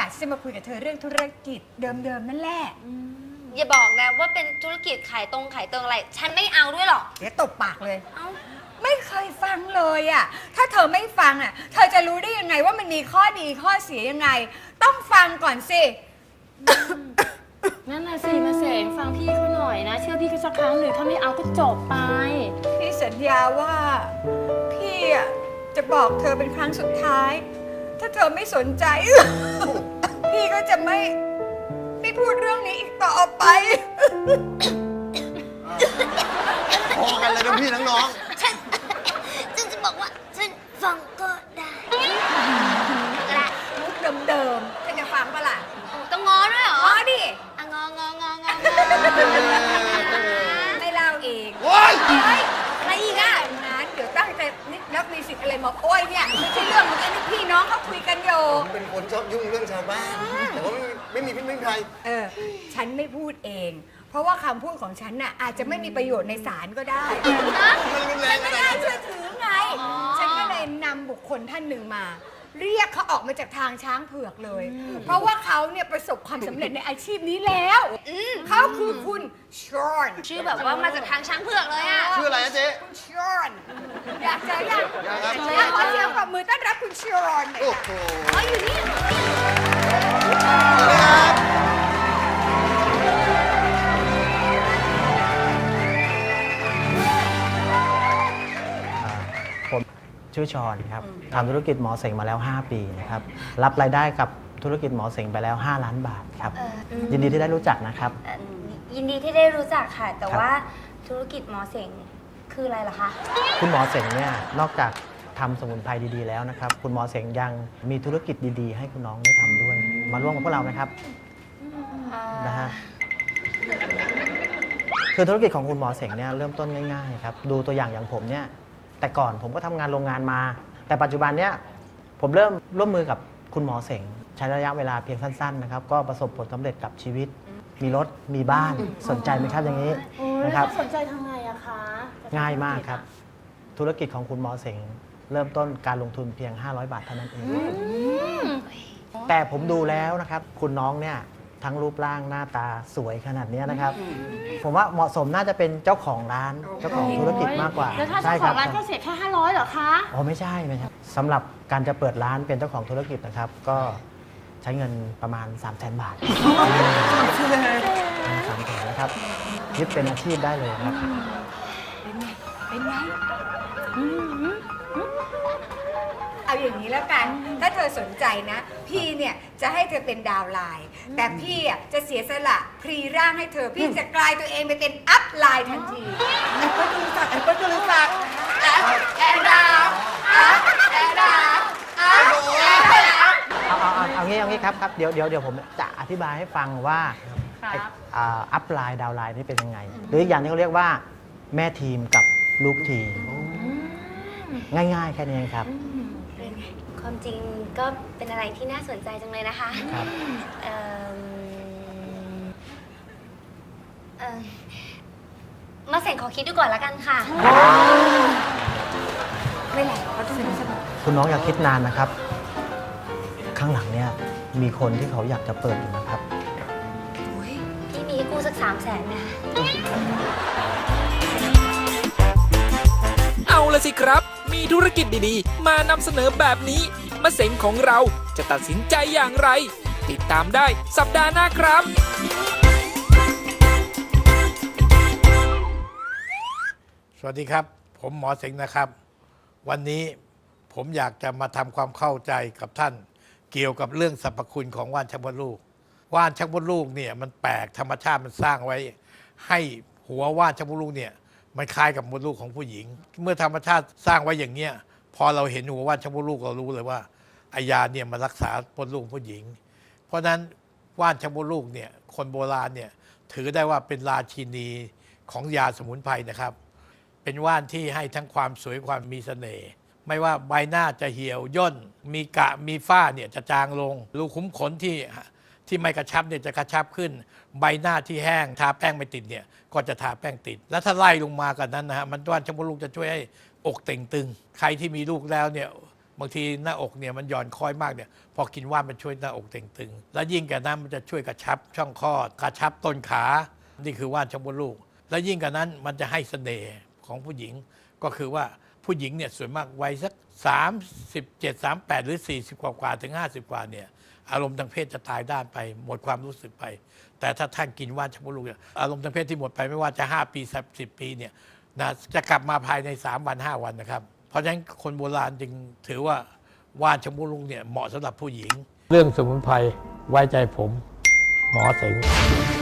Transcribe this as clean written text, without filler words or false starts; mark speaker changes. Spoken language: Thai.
Speaker 1: ะจะมาคุยกับเธอเรื่องธุรกิจเดิมๆนั่นแหละ
Speaker 2: อย่าบอกนะว่าเป็นธุรกิจขายเติงอะไร ฉันไม่เอาด้วยหรอก
Speaker 1: เดี๋ยวตบปากเลย
Speaker 2: เอ้า
Speaker 1: ไม่เคยฟังเลยอ่ะถ้าเธอไม่ฟังอ่ะเธอจะรู้ได้ยังไงว่ามันมีข้อดีข้อเสียยังไง ต้องฟังก่อนสิ
Speaker 3: นั่นน่ะสิมาเสงฟังพี่เขาหน่อยนะ เชื่อพี่เขาสักครั้งหนึ่งถ้าไม่เอาก็จบไป
Speaker 1: พี่สัญญาว่าพี่อ่ะจะบอกเธอเป็นครั้งสุดท้าย ถ้าเธอไม่สนใจ พี่ก็จะไม่พูดเรื่องนี้อีกต่อไป
Speaker 4: พอกันเลยทั้งพี่ทั้งน้อง
Speaker 2: ฉันจะบอกว่าฉันฟังก็ได้และ
Speaker 1: มุกเดิมๆเธอจะฟังปะล่ะ
Speaker 2: ต้องง้อด้วยเหรอ
Speaker 1: อ๋อดิ
Speaker 2: อ่ะงองององอ
Speaker 1: ไม่เล่าเอง
Speaker 4: โอ๊ย
Speaker 1: เฮ้ยอะไรอีกอ่ะงั้นเดี๋ยวตั้งใจนิดนับมีสิทธิ์อะไรมาโอ้ยเนี่ยไม่ใช่เรื่องของอันนี้พี่น้องเขาคุยกันอยู่
Speaker 4: ผมเป็นคนชอบยุ่งเรื่องชาวบ้าน แต่ว่าไม่มีพิษไม่มีภัย
Speaker 1: ฉันไม่พูดเอง เพราะว่าคำพูดของฉันน่ะอาจจะไม่มีประโยชน์ในศาลก็ได้
Speaker 4: มันรุนแร
Speaker 1: ฉั
Speaker 4: ง
Speaker 1: น
Speaker 4: ข
Speaker 1: ไม่
Speaker 4: นาด
Speaker 1: น่า
Speaker 4: นั้น
Speaker 1: เชื่อถือไง ฉันก็เลยนำบุคคลท่านหนึ่งมา เรียกเขาออกมาจากทางช้างเผือกเลย เพราะว่าเขาเนี่ยประสบความสำเร็จในอาชีพนี้แล้วเขาคือคุณชอน
Speaker 2: ชื่อแบบว่ามาจากทางช้างเผือกเลยอ่ะ
Speaker 4: ชื่ออะไรนะเจ๊
Speaker 1: คุณชอนอยากเจอยัง
Speaker 4: อยากครับ
Speaker 1: ขอเสียงปรบมือต้อนรับคุณชอนหน่อย
Speaker 4: โอ้
Speaker 1: ค่ะ
Speaker 4: โห
Speaker 2: อ๋ออยู่นี่
Speaker 5: ผมชื่อชอนครับทำธุรกิจหมอเสงมาแล้ว 5 ปีนะครับรับรายได้กับธุรกิจหมอเสงไปแล้ว 5 ล้านบาทครับยินดีที่ได้รู้จักนะครับ
Speaker 2: ยินดีที่ได้รู้จักค่ะ แต่
Speaker 5: ครับ
Speaker 2: ว่าธุรกิจหมอเสงคืออะไรล่ะคะ
Speaker 5: คุณหมอเสงเนี่ยนอกจากทำสมุนไพรดีๆแล้วนะครับคุณหมอเสงยังมีธุรกิจดีๆ ให้คุณน้องได้ทำด้วย มาร่วมกับพวกเรานะครับนะฮะคือธุรกิจของคุณหมอเสงเนี่ยเริ่มต้นง่ายๆครับดูตัวอย่างผมเนี่ยแต่ก่อนผมก็ทำงานโรงงานมา แต่ปัจจุบันเนี่ยผมเริ่มร่วมมือกับคุณหมอเสงใช้ระยะเวลาเพียงสั้นๆนะครับก็ประสบผลสำเร็จกับชีวิต มีรถมีบ้านสนใจไหมครับอย่างนี้นะครับ
Speaker 3: สนใจทำไงอะคะ
Speaker 5: ง่ายมากครับ ธุรกิจของคุณหมอเสงเริ่มต้นการลงทุนเพียง 500 บาทเท่านั้นเอง แต่ผมดูแล้วนะครับ คุณน้องเนี่ยทั้งรูปร่างหน้าตาสวยขนาดนี้นะครับ ผมว่าเหมาะสมน่าจะเป็นเจ้าของร้านเจ้าของธุรกิจมากกว่า
Speaker 3: แล้วถ้า
Speaker 5: ใช่
Speaker 3: เจ้า
Speaker 5: ค
Speaker 3: ข
Speaker 5: รั
Speaker 3: องร้านแค่เสียแค่500เหรอคะ
Speaker 5: อ๋อไม่ใช่สำหรับการจะเปิดร้านเป็นเจ้าของธุรกิจนะครับ ก็ใช้เงินประมาณ 300,000 บาท300,000นะครับยึดเป็นอาชีพได้เลยครับ
Speaker 1: เป็นไงเอาอย่างนี้แล้วกัน ถ้าเธอสนใจนะ พี่เนี่ยจะให้เธอเป็นดาวไลน์ แต่พี่อ่ะจะเสียสละพรีร่างให้เธอ พี่จะกลายตัวเองไปเป็นอัพไลน์ทันทีแอนก็รู้จักแอนก็รู้จักแอนดาวแอนดาว
Speaker 5: เอางี้ครับเดี๋ยวผมจะอธิบายให้ฟังว่าอัพไลน์ดาวไลน์นี่เป็นยังไง หรืออีกอย่างที่เขาเรียกว่าแม่ทีมกับลูกทีม ง่ายๆแค่นี้เองครับ
Speaker 2: ความจริงก็เป็นอะไรที่น่าสนใจจังเลยนะคะ
Speaker 5: ครับ
Speaker 2: เอิ่มมาเสงขอคิดดูก่อนละกันค่ะ
Speaker 1: ไม่แหละเขาต้องสนุก
Speaker 5: คุณน้องอย่าคิดนานนะครับ ข้างหลังเนี่ยมีคนที่เขาอยากจะเปิดอยู่นะครับ
Speaker 2: พี่มีให้กู้สัก300,000นะ
Speaker 6: เอาละสิครับ มีธุรกิจดีๆ มานำเสนอแบบนี้มะเสงของเราจะตัดสินใจอย่างไร ติดตามได้สัปดาห์หน้าครับ
Speaker 7: สวัสดีครับ ผมหมอเสงนะครับ วันนี้ผมอยากจะมาทำความเข้าใจกับท่าน เกี่ยวกับเรื่องสรรพคุณของว่านชักมดลูกว่านชักมดลูกเนี่ยมันแปลกธรรมชาติมันสร้างไว้ ให้หัวว่านชักมดลูกเนี่ยมันคล้ายกับมดลูกของผู้หญิง เมื่อธรรมชาติสร้างไว้อย่างเนี้ยพอเราเห็นหัวว่านชักมดลูกเรารู้เลยว่าไอยาเนี่ยมันรักษามดลูกผู้หญิง เพราะฉะนั้นว่านชักมดลูกเนี่ยคนโบราณเนี่ยถือได้ว่าเป็นราชินีของยาสมุนไพรนะครับ เป็นว่านที่ให้ทั้งความสวยความมีเสน่ห์ไม่ว่าใบหน้าจะเหี่ยวย่นมีกะมีฝ้าเนี่ยจะจางลงรูขุมขนที่ไม่กระชับเนี่ยจะกระชับขึ้น ใบหน้าที่แห้งทาแป้งไม่ติดเนี่ยก็จะทาแป้งติด แล้วถ้าไล่ลงมากันนั้นนะฮะมันว่านชักมดลูกจะช่วยให้อกเต่งตึงใครที่มีลูกแล้วเนี่ยบางทีหน้าอกเนี่ยมันหย่อนคล้อยมากเนี่ยพอกินว่านมันช่วยหน้าอกเต่งตึงแล้วยิ่งกว่านั้นมันจะช่วยกระชับช่องคลอดกระชับต้นขานี่คือว่านชักมดลูกแล้วยิ่งกว่านั้นมันจะให้เสน่ห์ของผู้หญิงก็คือว่าผู้หญิงเนี่ยส่วนมากวัยสัก37 38หรือ40กว่าถึง50กว่าเนี่ยอารมณ์ทางเพศจะตายด้านไปหมดความรู้สึกไปแต่ถ้าท่านกินว่านชักมดลูกเนี่ยอารมณ์ทางเพศที่หมดไปไม่ว่าจะ5ปี10ปีเนี่ยนะจะกลับมาภายใน3วัน5วันนะครับเพราะฉะนั้นคนโบราณจึงถือว่าว่านชักมดลูกเนี่ยเหมาะสำหรับผู้หญิงเรื่องสมุนไพรไว้ใจผมหมอเสง